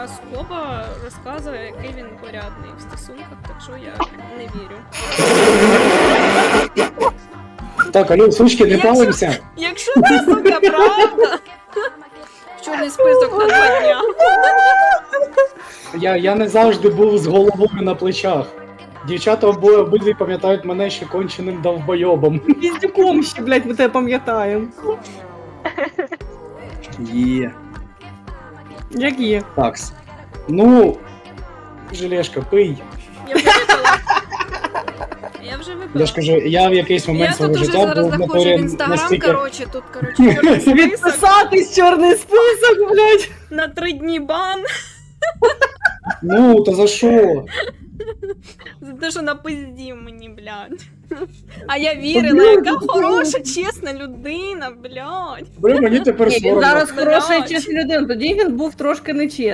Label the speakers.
Speaker 1: Скоба розказує, який він порядний в стосунках, так що я не вірю.
Speaker 2: Так, алло, сучки, не палимося.
Speaker 1: Якщо це, сука, правда, чорний список на 2 дня.
Speaker 2: Я не завжди був з головою на плечах. Дівчата обидві пам'ятають мене ще конченим довбойобом.
Speaker 3: Піздюком ще, блядь, ми тебе пам'ятаємо.
Speaker 2: Є.
Speaker 3: Як є?
Speaker 2: Такс. Ну, желешка, пий.
Speaker 1: Я вже випила. Я вже випила.
Speaker 2: Я ж кажу, я в якийсь момент
Speaker 1: Я
Speaker 2: свого
Speaker 1: тут уже
Speaker 2: життя
Speaker 1: зараз
Speaker 2: був в
Speaker 1: заходжу в
Speaker 2: натурі
Speaker 1: інстаграм,
Speaker 2: настільки...
Speaker 1: коротше, тут, коротше, чорний список.
Speaker 3: Відписатись чорний список, блядь.
Speaker 1: На 3 дні бан.
Speaker 2: Ну, та за що?
Speaker 1: За те, що напиздів мені, блядь. А я вірила, яка хороша, чесна людина, блядь.
Speaker 2: Бля, мені тепер
Speaker 3: Ні, він
Speaker 2: соромно.
Speaker 3: зараз хороша і
Speaker 1: Блядь.
Speaker 3: чесна людина, тоді він був трошки нечесний.